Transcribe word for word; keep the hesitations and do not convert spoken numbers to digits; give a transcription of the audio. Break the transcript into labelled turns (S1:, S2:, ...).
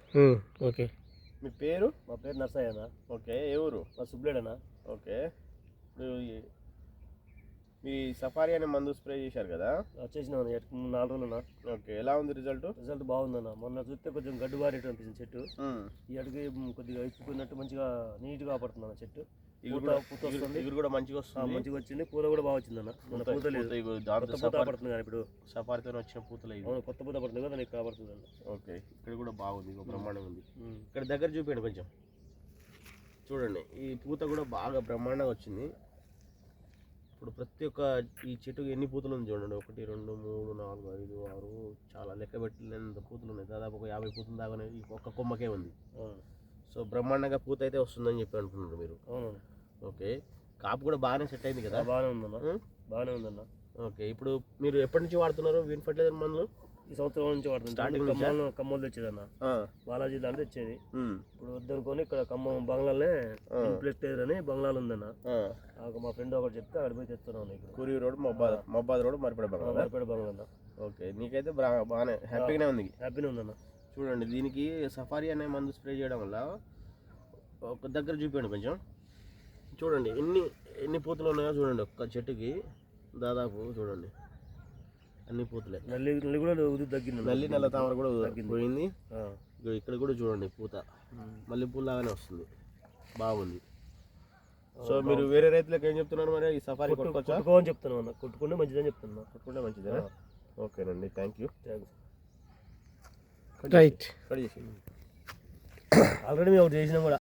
S1: Okay.
S2: మీ పేరు?
S3: మా పేరు నర్సయ్యనా.
S2: ఓకే. ఏ ఊరు?
S3: మా సుబ్బులేడనా.
S2: ఓకే. ఇప్పుడు మీ సఫారీ అనే మందు స్ప్రే చేశారు కదా,
S3: చేసిన నాలుగు రోజులన్నా.
S2: ఓకే. ఎలా ఉంది రిజల్ట్?
S3: రిజల్ట్ బాగుందన్న. మొన్న చూస్తే కొంచెం గడ్డు బారేట అనిపించింది చెట్టు. ఈ అడిగి కొద్దిగా ఇప్పుకున్నట్టు మంచిగా నీట్గా కాపాడుతుంది అన్న చెట్టు. పూత పూత వస్తుంది,
S2: ఇగురు కూడా మంచిగా వస్తుంది.
S3: మంచిగా వచ్చింది. పూత కూడా బాగా వచ్చిందన్న. మన పూత లేదు, కొత్త పూత పడుతుంది కానీ ఇప్పుడు
S2: సఫారీతో వచ్చిన పూతలు ఇవి.
S3: అవును, కొత్త పూత పడుతుంది కదా, నీకు కాపాడుతుంది అన్న.
S2: ఓకే. ఇక్కడ కూడా బాగుంది, బ్రహ్మాండంగా ఉంది. ఇక్కడ దగ్గర చూపించండి కొంచెం, చూడండి. ఈ పూత కూడా బాగా బ్రహ్మాండంగా వచ్చింది. ఇప్పుడు ప్రతి ఒక్క ఈ చెట్టుకి ఎన్ని పూతలు ఉంది చూడండి. ఒకటి, రెండు, మూడు, నాలుగు, ఐదు, ఆరు, చాలా లెక్క పెట్టలేనంత పూతలు ఉన్నాయి. దాదాపు ఒక యాభై పూతలు దాకా ఈ ఒక్క కొమ్మకే ఉంది. సో బ్రహ్మాండంగా పూత అయితే వస్తుందని చెప్పి అనుకుంటున్నారు మీరు. ఓకే. కాపు కూడా బాగానే సెట్ అయింది కదా?
S3: బాగానే ఉందన్న, బాగానే ఉందన్న.
S2: ఓకే. ఇప్పుడు మీరు ఎప్పటి నుంచి వాడుతున్నారు విన్ ఫర్టిలైజర్ మందులు?
S3: ఈ సంవత్సరం నుంచి వాడుతుంది. స్టార్టింగ్ ఖమ్మం ఖమ్మం తెచ్చేదన్న, బాలాజీ దాంట్లో తెచ్చేది. ఇప్పుడు వద్దనుకొని ఇక్కడ ఖమ్మం బంగ్లాలనే ఇన్ఫ్లెక్టేర్ అని బంగ్లాలు ఉందన్న. మా ఫ్రెండ్ ఒకటి చెప్తే అక్కడ పోయి తెస్తున్నాను. ఇక్కడ
S2: కురి రోడ్, మబ్బాద్ మబ్బాద్ రోడ్, మరిపేడ బంగ్లా.
S3: మరిపేడ బంగ్లా.
S2: ఓకే. నీకైతే బాగానే హ్యాపీగానే ఉంది.
S3: హ్యాపీనే ఉందన్న.
S2: చూడండి, దీనికి సఫారీ అనే మందు స్ప్రే చేయడం వల్ల ఒక దగ్గర చూపించండి కొంచెం. చూడండి ఎన్ని ఎన్ని పూతలు ఉన్నాయో చూడండి. ఒక్క చెట్టుకి దాదాపు చూడండి అన్ని పూతలే.
S3: నల్లి నల్లి కూడా తగ్గింది.
S2: నల్లి నల్ల తామర కూడా పోయింది. ఇక్కడ కూడా చూడండి పూత మల్లె పూలు లాగానే వస్తుంది, బాగుంది. సో మీరు వేరే రైతులకు ఏం చెప్తున్నారు మరి? ఈ సఫారీ కొట్టుకోవచ్చా?
S3: కొట్టుకోని చెప్తున్నాను అన్న. కొట్టుకుంటే మంచిదని చెప్తున్నా.
S2: కొట్టుకుంటే మంచిదేనా? ఓకేనండి, థ్యాంక్ యూ.
S1: రైట్.
S2: కట్ చేసి
S3: ఆల్రెడీ మేము ఒకటి చేసినాం కూడా.